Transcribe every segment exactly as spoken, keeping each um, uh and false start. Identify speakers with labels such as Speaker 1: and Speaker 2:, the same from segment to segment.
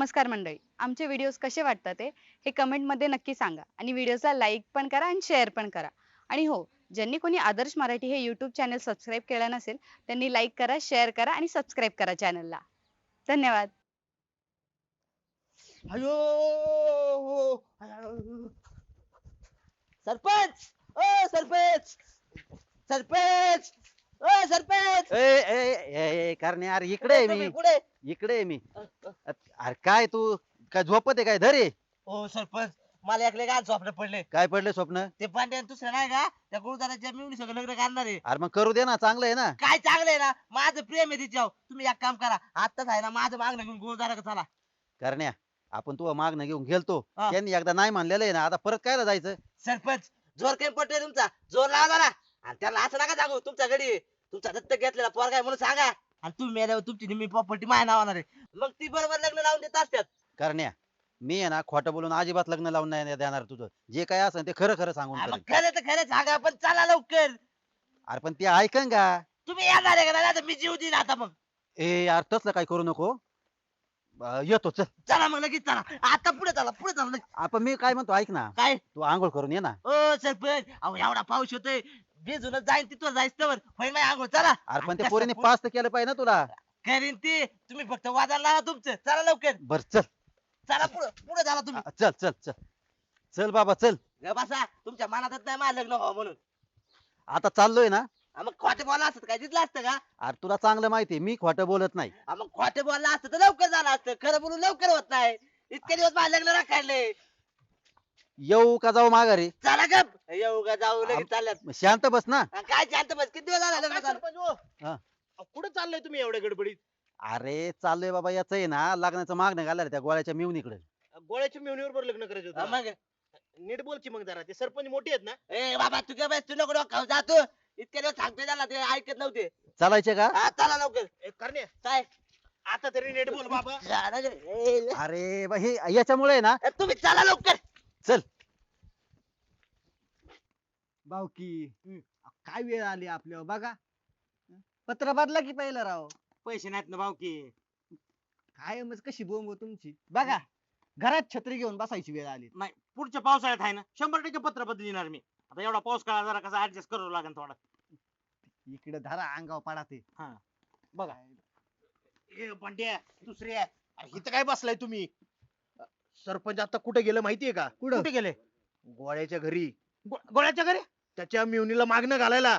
Speaker 1: नमस्कार मंडळी. आमचे व्हिडिओज कसे वाटतात ते हे कमेंटमध्ये नक्की सांगा आणि व्हिडिओला लाईक पण करा आणि शेअर पण करा. आणि हो, ज्यांनी कोणी आदर्श मराठी हे यूट्यूब चॅनल सबस्क्राईब केलं नसेल त्यांनी लाईक करा, शेअर करा आणि सबस्क्राईब करा चॅनलला. धन्यवाद.
Speaker 2: अयो सरपंच, ओ सरपंच, सरपंच, ओ सरपंच.
Speaker 3: ए ए ए करणे यार इकडे आहे
Speaker 2: तुम्ही
Speaker 3: मी
Speaker 2: कुठे?
Speaker 3: इकडे आहे मी अरे काय तू काय झोपत आहे काय धरे
Speaker 2: ओ सरपंच, मला एकले काय स्वप्न पडले.
Speaker 3: काय पडले स्वप्न
Speaker 2: ते पांड्या दुसरं नाही का, त्या गुरुदाराच्या मिळून सगळं लग्न करणार आहे.
Speaker 3: अरे मग करू दे ना चांगलं आहे ना.
Speaker 2: काय चांगलं आहे ना, माझं प्रेम आहे तिच्यावर. तुम्ही एक काम करा, आत्ताच आहे ना माझं मागणं घेऊन गुरुदारा चला.
Speaker 3: करण्या आपण तू मागणं घेऊन गेलतो
Speaker 2: हा.
Speaker 3: त्यांनी एकदा नाही मानलेलं आहे ना आता परत कायला जायचं.
Speaker 2: सरपंच, जोर काही पटतोय तुमचा, जोर लावा ना. आणि त्याला असं नका सांगू तुमच्या घडी तुमचा दत्तक घेतलेला पोरगा आहे म्हणून सांगा. आणि तुम्ही मेल्यावर तुमची निम्मी प्रॉपर्टी माझ्या नावावर आहे. मग ती बरोबर लग्न लावून देत असतात.
Speaker 3: करण्या मी आहे ना खोटं बोलून अजिबात लग्न लावून नाही देणार. तुझं जे काय असेल ते खरं खरं सांगून
Speaker 2: हा, मग
Speaker 3: करेन.
Speaker 2: खरं तर खरं सांगा, पण चला लवकर.
Speaker 3: अरे पण ते ऐकन का.
Speaker 2: तुम्ही येणार आहे का नाही? आता मी जीव देईन आता. मग
Speaker 3: ए यार तसलं काय करू नको. अं, येतो चल.
Speaker 2: चला मग लगेच चला. आता पुढे चला, पुढे चला लगेच.
Speaker 3: आपण मी काय म्हणतो ऐक ना
Speaker 2: काय
Speaker 3: तू आंघोळ करून ये ना.
Speaker 2: ओ सरपंच, अहो एवढा पाऊस होतोय, भिजूनच जाईन तिथं जायचं तर होईल माझी आंघोळ. चला.
Speaker 3: अरे पण ते
Speaker 2: कसं
Speaker 3: पोरीने
Speaker 2: पो-
Speaker 3: पास तर केलं पाहिजे ना तुला.
Speaker 2: करीन ती. तुम्ही फक्त वाजायला लावा तुमचं. चला लवकर.
Speaker 3: बर चल.
Speaker 2: चला पुढे, पुढे चला तुम्ही.
Speaker 3: आ, चल चल चल चल बाबा चल.
Speaker 2: ग बसा, तुमच्या मनातच नाही माझं लग्न व्हावं म्हणून.
Speaker 3: आता चाललोय ना.
Speaker 2: हा, मग खोटे बोला असत काय दिसलं असतं का?
Speaker 3: अरे तुला चांगलं माहितीये मी खोटं बोलत नाही.
Speaker 2: हा, मग खोटे बोलला असतं तर लवकर झालं असतं. खरं बोलून लवकर होत नाही. इतके दिवस माझं लग्न राखायले.
Speaker 3: येऊ का जाऊ माघारी.
Speaker 2: चला गप, येऊ का जाऊ लगेच चालल्यात.
Speaker 3: शांत बस ना.
Speaker 2: हा, काय शांत बस, किती दिवस झाला लग्न झालं?
Speaker 3: हा.
Speaker 4: कुठे चाललंय तुम्ही एवढ्या गडबडीत?
Speaker 3: अरे चाललोय बाबा याच आहे ना लग्नाचं मागणं घालायला त्या गोळ्याच्या मिवणीकडे.
Speaker 4: गोळ्याच्या मेवणीवर बरं लग्न करायचं
Speaker 2: हा,
Speaker 4: होतं.
Speaker 2: मग
Speaker 4: नीट बोल की मग जरा, ते सरपंच मोठे आहेत ना.
Speaker 2: ए बाबा, तू काय बस, तू नको डोक्यावर जा तू. इतके दिवस सांगतोय त्याला, ते ऐकत नव्हते.
Speaker 3: चालायचे का.
Speaker 2: हा, चला लवकर.
Speaker 4: ए, करण्या,
Speaker 2: काय
Speaker 4: आता तरी नीट बोल बाबा.
Speaker 2: जा ना रे. ए,
Speaker 3: अरे बा हे याच्यामुळे आहे ना.
Speaker 2: ए, तुम्ही चला लवकर.
Speaker 3: चल.
Speaker 5: भाऊकी काय वेळ आली आपल्यावर बघा. पत्र बदला की पहिलं राव.
Speaker 4: पैसे नाहीत ना भाऊकी.
Speaker 5: काय मग कशी बोंब हो तुमची बघा. घरात छत्री घेऊन बसायची वेळ आली.
Speaker 4: नाही, पुढच्या पावसाळ्यात आहे ना शंभर टक्के पत्र बदल देणार मी. आता एवढा पाऊस काळा जरा कसा ऍडजस्ट करावं लागेल थोडा.
Speaker 5: इकडे धरा अंगावर पडा ते.
Speaker 4: बघा ए पांड्या, दुसरे इथं काय बसलाय तुम्ही? सरपंच आता कुठे गेलं माहितीये का?
Speaker 5: कुठं?
Speaker 4: कुठे गेले? गोळ्याच्या घरी.
Speaker 6: गो- गोळ्याच्या घरी.
Speaker 4: त्याच्या मेवणीला मागणं घालायला.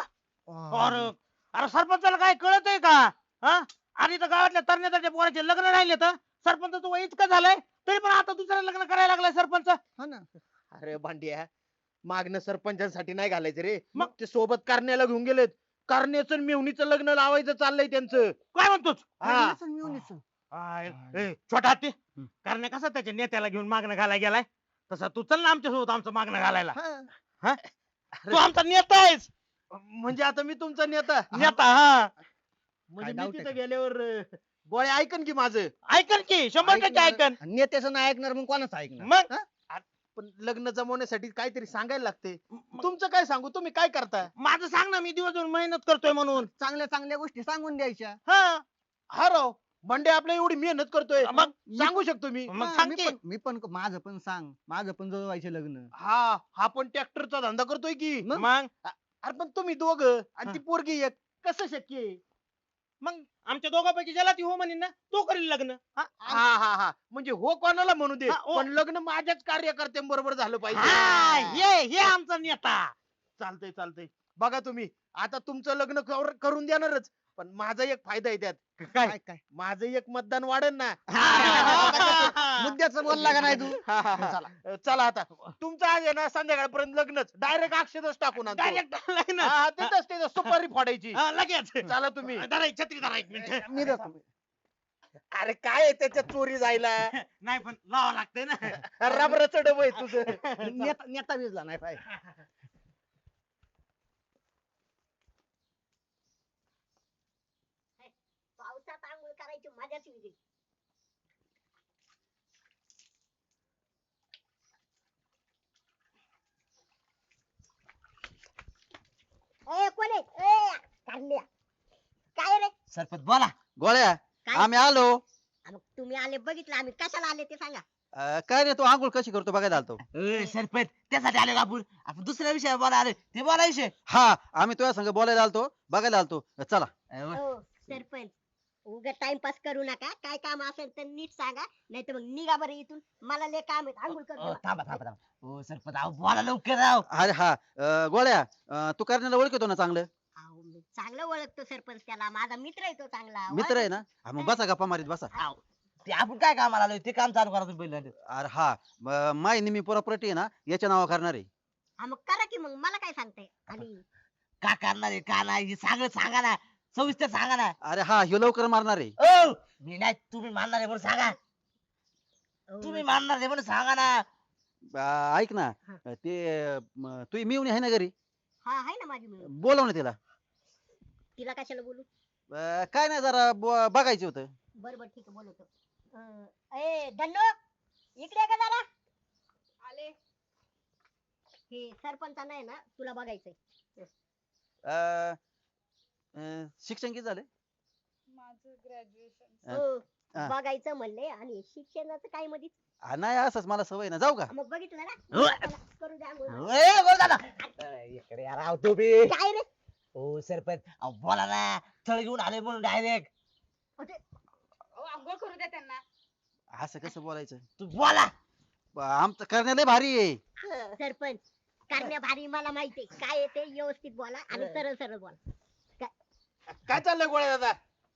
Speaker 6: अरे अरे सरपंचाला काय कळत आहे का? हा, आणि तर गावातल्या तरण्याच्या पोराचे लग्न राहिले तर सरपंचाचं वय इतकं झालंय तरी पण आता दुसरं लग्न करायला लागलाय सरपंच.
Speaker 5: हा ना.
Speaker 4: अरे भांड्या, मागणं सरपंचांसाठी नाही घालायचं रे.
Speaker 6: मग?
Speaker 4: मग ते सोबत करण्याला घेऊन गेलेत. करण्याचं आणि मेवणीचं लग्न लावायचं चाललंय त्यांचं.
Speaker 6: काय म्हणतोच?
Speaker 4: हा.
Speaker 5: मिळून मिळून
Speaker 6: आय, ए, छोटा हत्ती करण्या कसा त्याच्या नेत्याला घेऊन मागणं घालाय गेलाय तसा तू चल ना आमच्या सोबत आमचं मागणं घालायला.
Speaker 5: हा.
Speaker 6: तू आमचा नेता आहेस.
Speaker 4: म्हणजे आता मी तुमचा नेता.
Speaker 6: नेता हा.
Speaker 4: म्हणजे
Speaker 5: काय
Speaker 4: मी
Speaker 5: doubt आहे
Speaker 4: तिथे गेल्यावर अं, गोळ्या ऐकन की माझं.
Speaker 6: ऐकन की शंभर टक्के ऐकन.
Speaker 5: नेत्याचं नाही ऐकणार मग कोणाचं ऐकणार.
Speaker 6: मग
Speaker 4: पण लग्न जमवण्यासाठी काहीतरी सांगायला लागते. तुमचं काय सांगू, तुम्ही काय करता?
Speaker 6: माझं सांग ना, मी दिवसभर मेहनत करतोय म्हणून.
Speaker 5: चांगल्या चांगल्या गोष्टी सांगून द्यायच्या.
Speaker 6: हा
Speaker 4: हा राव, भांडे आपल्या एवढी मेहनत करतोय,
Speaker 6: मग
Speaker 4: सांगू शकतो मी.
Speaker 6: मग
Speaker 5: हा,
Speaker 6: सांग
Speaker 5: मी
Speaker 6: की.
Speaker 5: पण मी पण माझं पण सांग. माझं पण जुळवायचे लग्न.
Speaker 4: हा हा पण ट्रॅक्टरचा धंदा करतोय की.
Speaker 6: मग
Speaker 4: अरे पण तुम्ही दोघं आणि ती पोरगी एक, कसं शक्य आहे?
Speaker 6: मग आमच्या दोघांपैकी ज्याला ती हो म्हणेन ना तो करेल लग्न. हा,
Speaker 4: हा हा हा म्हणजे हो कोणाला म्हणू दे,
Speaker 6: हा, हो.
Speaker 4: पण लग्न माझ्याच कार्यकर्त्यांबरोबर झालं
Speaker 6: हा,
Speaker 4: पाहिजे.
Speaker 6: ये ये आमचा नेता.
Speaker 4: चालतंय चालतंय. बघा तुम्ही, आता तुमचं लग्न कर- करून देणारच, पण माझा एक फायदा आहे त्यात.
Speaker 5: काय काय
Speaker 4: माझं एक मतदान वाढन ना.
Speaker 5: मुद्द्याचं बोलला का नाही तू.
Speaker 4: हा, हा, हा. अ, चला आता तुमचं आज आहे ना संध्याकाळपर्यंत लग्नच, डायरेक्ट अक्षरच टाकून आणतो.
Speaker 6: डायरेक्ट ना.
Speaker 4: हा, हा, तिथंच तिथं सुपारी फोडायची.
Speaker 6: हा, लगेच
Speaker 4: चला तुम्ही.
Speaker 6: धरा एक छत्री धरा एक मिनिट.
Speaker 5: मी देतो.
Speaker 4: अरे काय आहे त्याच्यात चोरी जायला?
Speaker 6: नाही पण लावा लागतंय ना.
Speaker 4: रबराचं डब आहे तुझं.
Speaker 5: नेता नेता भिजला नाही पाहिजे.
Speaker 7: पावसात आंघोळ करायची मजाच वेगळी. ए कोण आहे? ए काढल्या. काय रे?
Speaker 2: सरपंच बोला.
Speaker 3: गोळ्या
Speaker 7: काय?
Speaker 3: आम्ही आलो.
Speaker 7: हा, मग तुम्ही आले बघितलं आम्ही कशाला आले ते सांगा.
Speaker 3: अं, काय रे तू आंघोळ कशी करतो बघायला आलतो.
Speaker 2: ए, सरपंच त्यासाठी आले का आपण आपण दुसऱ्या विषयावर बोला आले ते बोलायचे
Speaker 3: हा आम्ही तुझ्या संग बोलायला आलतो बघायला आलतो चला.
Speaker 7: हो सरपंच उगा टाइमपास करू नका. काय काम असेल तर नीट सांगा नाही तर मग निघा बरं इथून. मला लय काम आहे आंघोळ
Speaker 2: अ,
Speaker 7: करतो.
Speaker 2: थांबा थांबा थांबा हो सरपंच अहो बोला लवकर राव
Speaker 3: अरे हा अं, गोळ्या अं, तू करण्याला ओळखतो ना चांगलं.
Speaker 7: अहो, मी चांगलं ओळखतो सरपंच त्याला. माझा मित्र आहे तो चांगला.
Speaker 3: मित्र आहे ना हा, मग बसा गप्पा मारीत बसा.
Speaker 2: अहो, ते आपण काय कामाला आलोय ते काम चालू करा तुम्ही पहिल्यांदा.
Speaker 3: अरे हा म- माय निमी प्रॉपर्टी आहे ना याच्या नावा करणार आहे.
Speaker 7: हा मग करा की मग मला काय सांगताय. आणि
Speaker 2: का करणार आहे का नाही हे सगळं सांगा ना सविस्तर सांगा ना.
Speaker 3: अरे हा ह्यो लवकर मारणार आहे.
Speaker 2: ओ मी नाही तुम्ही मानणार आहे म्हणून सांगा
Speaker 7: अहो,
Speaker 2: तुम्ही मानणार आहे म्हणून सांगा ना.
Speaker 3: अं, ऐक ना
Speaker 7: हा.
Speaker 3: ते म, तू मिळून आहे ना घरी
Speaker 7: हा आहे ना माझी मिळून.
Speaker 3: बोलव ना तिला.
Speaker 7: तिला कशाला बोलू.
Speaker 3: अं, काय नाही जरा ब- बघायचं होतं.
Speaker 7: बर बर ठीक आहे बोलवतो. अं, ए दंडो इकडे ये का जरा.
Speaker 1: आले.
Speaker 7: हे सरपंचांना आहे ना तुला बघायचंय.
Speaker 3: अं, अं, शिक्षण किती झाले.
Speaker 1: माझं ग्रॅज्युएशन.
Speaker 3: अं,
Speaker 7: हो
Speaker 3: हा.
Speaker 7: बघायचं म्हणले आणि शिक्षणाचं काय मध्ये.
Speaker 3: आ, नाही असंच मला सवय ना जाऊ का.
Speaker 7: मग बघितलं
Speaker 2: हो.
Speaker 7: ना चला, करू द्या आंघोळ.
Speaker 2: ए, बोल दादा अ, इकडे या राव तुम्ही.
Speaker 7: काय रे.
Speaker 2: हो सरपंच अहो बोला ना थळ घेऊन आले म्हणून डायरेक्ट
Speaker 1: आंघोळ करू द्या त्यांना.
Speaker 3: असं कसं बोलायचं.
Speaker 2: तू बोला.
Speaker 3: ब- आमचं करण्याला भारी आहे.
Speaker 7: सरपंच करण्या भारी मला माहितीये काय येते. व्यवस्थित बोला आणि सरळ सरळ बोला.
Speaker 4: काय चाललंय गोळ्या दादा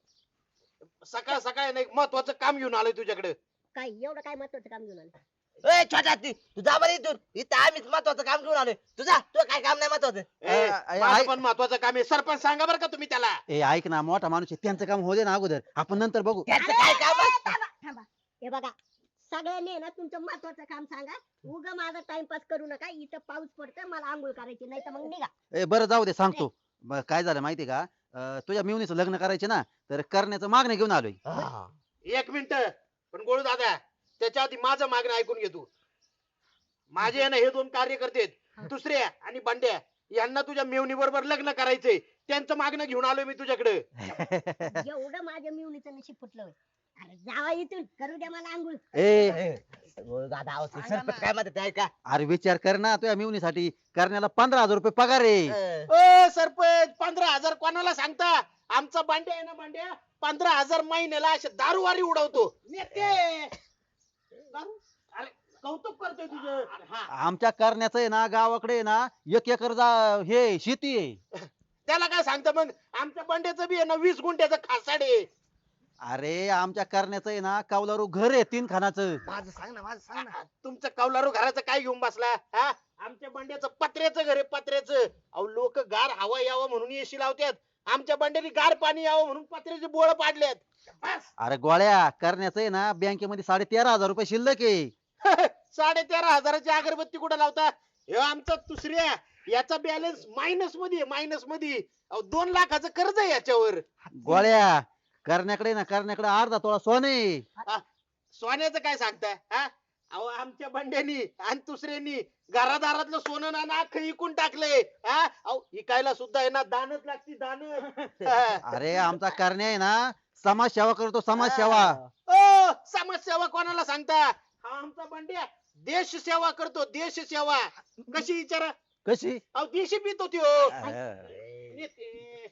Speaker 4: सकाळ सकाळ नाही महत्वाचं काम घेऊन आलोय तुझ्याकडे.
Speaker 7: काय एवढं काय महत्वाचं काम घेऊन आलं.
Speaker 2: ए छोटा ती तू जा बरं इथून इथं आम्हीच महत्वाचं काम घेऊन आलोय तुझा तुझं काय काम नाही महत्वाचं.
Speaker 4: ए,
Speaker 3: अ, अ,
Speaker 4: माझं
Speaker 3: ऐक-
Speaker 4: पण महत्वाचं काम आहे. सरपंच सांगा बरं का तुम्ही त्याला.
Speaker 3: ए ऐक ना मोठा माणूस आहे त्यांचं काम होऊ दे ना अगोदर आपण नंतर बघू.
Speaker 2: त्याचं काय काम
Speaker 7: अरे,
Speaker 2: आहे?
Speaker 7: थांबा थांबा. हे बघा सगळ्यांनी आहे ना तुमचं महत्वाचं काम सांगा. उगा माझा टाइमपास करू नका. इथं पाऊस पडतोय मला आंघोळ करायची नाही तर मग निघा.
Speaker 3: ए बरं जाऊ दे सांगतो. ब- काय झालं माहितीये का अं, तुझ्या मिवणीचं लग्न करायचे ना तर करण्याचं मागणी घेऊन आलोय.
Speaker 2: हा.
Speaker 4: एक मिनिट पण गोळू दादा त्याच्या आधी माझं मागणं ऐकून घे तू. माझे आहे ना हे दोन कार्यकर्ते आहेत दुसऱ्या आणि बंड्या यांना तुझ्या मेवणी बरोबर लग्न करायचंय. त्यांचं मागणं घेऊन आलोय मी तुझ्याकडे.
Speaker 7: एवढं माझ्या मिवणीचं नशीब फुटलं होय. अरे जावा इथून करू द्या मला आंघोळ.
Speaker 3: ए
Speaker 2: ए, बोल दादा अहो, ते सरपंच काय म्हणतात ते ऐका.
Speaker 3: अरे विचार कर ना तुझ्या मिवणीसाठी करण्याला पंधरा हजार रुपये पगार आहे.
Speaker 2: अ,
Speaker 4: ओ सरपंच पंधरा हजार कोणाला सांगता. आमचा बांड्या आहे ना बांड्या पंधरा हजार महिन्याला असे दारूवारी उडवतो. नेते दारू? अरे कौतुक करतोय तुझं. अरे हा
Speaker 3: आमच्या करण्याचं आहे ना गावाकडे आहे ना एक एकर जा हे शेती आहे.
Speaker 4: त्याला काय सांगता मग. आमच्या बंड्याचं बी आहे ना वीस गुंठ्याचं खासाड आहे.
Speaker 3: अरे आमच्या करण्याचं आहे ना कौलारू घर आहे तीन खानाचं.
Speaker 2: माझं सांग ना माझं सांग ना.
Speaker 4: तुमचं कौलारू घराचं काय घेऊन बसला हा. आमच्या बंड्याचं पत्र्याचं घर आहे पत्र्याचं. अहो लोक गार हवा यावं म्हणून एसी लावतात. आमच्या बंड्याने गार पाणी यावं म्हणून पत्र्याचे बोळ पाडल्यात. बस
Speaker 3: अरे गोळ्या करण्याचं आहे ना बँकेमध्ये साडे तेरा हजार रुपये शिल्लक आहे.
Speaker 4: साडे तेरा हजाराची अगरबत्ती कुठं लावता. हे आमचा दुसऱ्या याचा बॅलन्स मायनस मध्ये मायनस मध्ये. अहो दोन लाखाचं कर्ज आहे याच्यावर.
Speaker 3: गोळ्या करण्याकडे ना करण्याकडे अर्धा तोळा सोने.
Speaker 4: सोन्याचं काय सांगताय हा. अहो आमच्या बंड्यानी आणि दुसऱ्यांनी घरादारातलं सोनं ना नाक इकून टाकलंय हा. अहो इकायला सुद्धा आहे ना दानच लागती दान.
Speaker 3: अरे आमचा करण्या आहे ना समाज सेवा करतो समाज सेवा.
Speaker 4: ओ समाजसेवा कोणाला सांगता. हा आमचा बंड्या देश सेवा करतो देश सेवा. कशी विचारा.
Speaker 3: कशी
Speaker 4: अहो देशी पितो त्यो.
Speaker 3: अरे,
Speaker 4: नेते.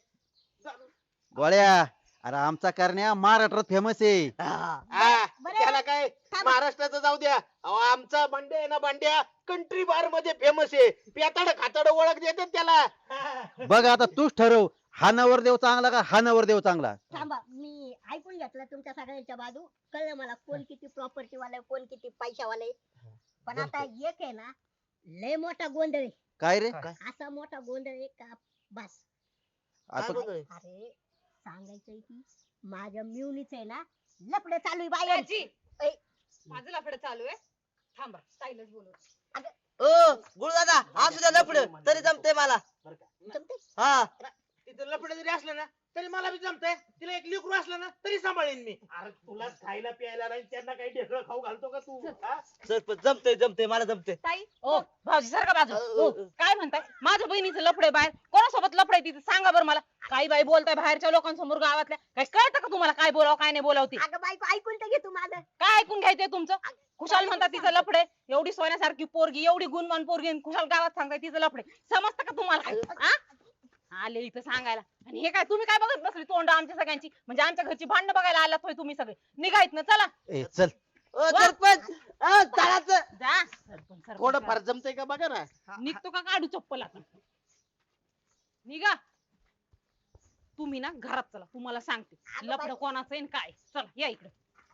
Speaker 3: गोळ्या अरे आमचा करण्या महाराष्ट्रात फेमस आहे.
Speaker 4: हा,
Speaker 7: बरं.
Speaker 4: त्याला काय
Speaker 7: थांबा.
Speaker 4: महाराष्ट्राचं जाऊ द्या. अहो आमचा बंड्या आहे ना बंड्या कंट्री बार मध्ये फेमस आहे. पेताड खाताड ओळख देतात त्याला.
Speaker 3: बघ आता तूच ठरव हा नवरदेव चांगला का हा नवरदेव चांगला.
Speaker 7: थांबा मी ऐकून घेतलं तुमच्या सगळ्यांच्या बाजू. कळलं मला कोण किती प्रॉपर्टी वाला आहे, कोण किती पैशावाला आहे. पण आता एक आहे ना लय मोठा गोंधळ आहे.
Speaker 3: काय रे
Speaker 7: असा मोठा गोंधळ आहे का बस.
Speaker 3: आता
Speaker 2: बोलतोय?
Speaker 7: अरे सांगायचंय की माझ्या मिवणीच आहे ना लपडे चालू आहे बाहेर.
Speaker 1: आजी,
Speaker 7: ऐ,
Speaker 1: माझं लफडं चालू आहे. थांबा स्टाईलच बोलू.
Speaker 2: ओ गुरु दादा असू द्या लपड तरी जमते मला.
Speaker 7: जमतंय?
Speaker 2: हा
Speaker 4: तिथं लपड जरी असलं ना तरी मला बी जमतंय. तिला एक लेकरू असलं ना तरी सांभाळेन मी. अरे तुला खायला प्यायला नाही त्यांना काही ढेकळं खाऊ घालतो का तू हा?
Speaker 2: सरपंच जमते जमते मला जमते.
Speaker 1: ताई
Speaker 8: ओ भाऊजी सारखा बाजू
Speaker 2: अ,
Speaker 8: ओ
Speaker 2: अ,
Speaker 8: काय म्हणताय माझ्या बहिणीचं लफडे बाहेर कोणासोबत लफडे तिथे सांगा बरं मला. काही बाई बोलताय बाहेरच्या लोकांसमोर गावातल्या काय कळतं का तुम्हाला काय बोलावं काय नाही बोलावं ती
Speaker 7: अगं बायको ऐकून तर घे तू माझं.
Speaker 8: काय ऐकून घ्यायचंय तुमचं खुशाल म्हणतात तिचं लफडे एवढी सोन्यासारखी पोरगी एवढी गुणवान पोरगी आणि खुशाल गावात सांगताय तिचं लफडे समजतं का तुम्हाला काय हा? आले इथं सांगायला आणि हे काय तुम्ही काय बघत बसली तोंड आमच्या सगळ्यांची म्हणजे आमच्या घरची भांडणं बघायला आलात होय तुम्ही सगळे निघायत ना चला
Speaker 3: ए चल
Speaker 2: ओ सरपंच अ, चालायचं.
Speaker 8: जा सरपंच, सरपंच.
Speaker 4: थोडं फार जमतंय का बघा ना.
Speaker 8: निघतो का काढू चप्पल आता निघा तुम्ही ना घरात चला तुम्हाला सांगते लफडं कोणाचं आहे आणि काय चला या इकडे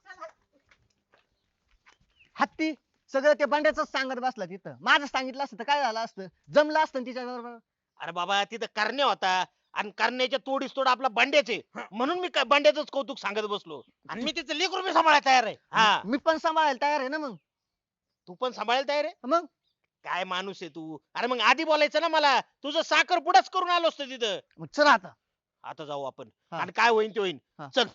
Speaker 5: हत्ती सगळं ते बंड्याच सांगत बसला तिथं माझं सांगितलं असतं तर काय झालं असतं जमलं असतं तिच्या बरोबर.
Speaker 4: अरे बाबा तिथं करण्या होता आणि करण्याच्या तोडीस तोड आपला बंड्याचे म्हणून मी बंड्याच कौतुक सांगत बसलो आणि मी तिचं लेकरू बी सांभाळायला तयार आहे. हा
Speaker 5: मी पण सांभाळायला तयार आहे ना मग.
Speaker 4: तू पण सांभाळायला तयार आहे
Speaker 5: मग
Speaker 4: काय माणूस आहे तू. अरे मग आधी बोलायचं ना मला तुझं साखर पुढंच करून आलो असतो तिथं.
Speaker 5: मग चला आता.
Speaker 4: आता जाऊ आपण
Speaker 5: हा.
Speaker 4: आणि काय होईन ते होईन.
Speaker 5: हा.
Speaker 4: चल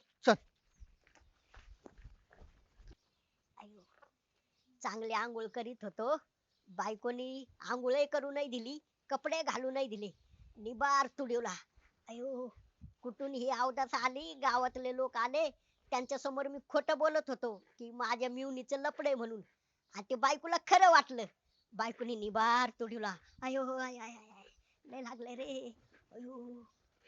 Speaker 7: अय्यो, चांगली आंघोळ करीत होतो बायकोनी आंघोळही करू नाही दिली कपडे घालू नाही दिले निबार तुडवला. अयो कुठून ही अवदास आली गावातले लोक आले त्यांच्या समोर मी खोटं बोलत होतो की माझ्या मिवणीचं लपडे म्हणून आणि ते बायकोला खरं वाटलं. बायकोनी निबार तुडवला. अयो आय आय आय आय, लय लागले रे. अयो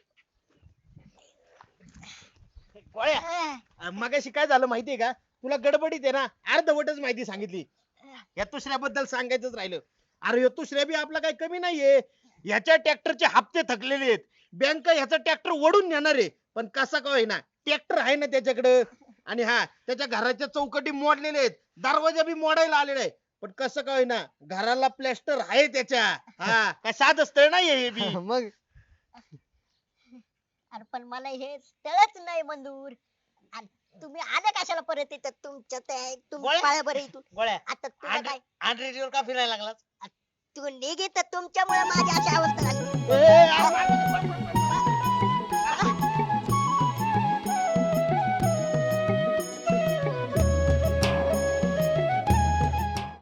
Speaker 4: गोळ्या
Speaker 7: अं,
Speaker 4: मगाशी काय झालं माहितीये का तुला गडबडीत आहे ना अर्धवटच माहिती सांगितली. या दुसऱ्याबद्दल सांगायचंच राहिलं. अरे ह्यो दुसऱ्या बी आपला काही कमी नाहीये ह्याच्या ट्रॅक्टरचे हप्ते थकलेले आहेत बँक ह्याचा ट्रॅक्टर ओढून नेणार आहे पण कसा का होईना ट्रॅक्टर आहे ना त्याच्याकडे आणि हा त्याच्या घराच्या चौकटी मोडलेले आहेत दरवाजा बी मोडायला आलेला आहे पण कसं का होईना घराला प्लॅस्टर आहे त्याच्या. हा काय साध स्थळ नाहीये हे बी.
Speaker 5: मग
Speaker 7: अरे पण मला हे स्थळच नाही मंजूर आणि तुम्ही आले कशाला परत इथं तुमच्या ते तुम्ही
Speaker 4: गोळ्या.
Speaker 7: पाया बरं इथून
Speaker 4: गोळ्या
Speaker 7: आता तुला काय
Speaker 4: आंड्रेडीवर का फिरायला लागलास.
Speaker 7: तू निघित तुमच्यामुळे माझी अशी अवस्था झाली.
Speaker 4: ए, अरे,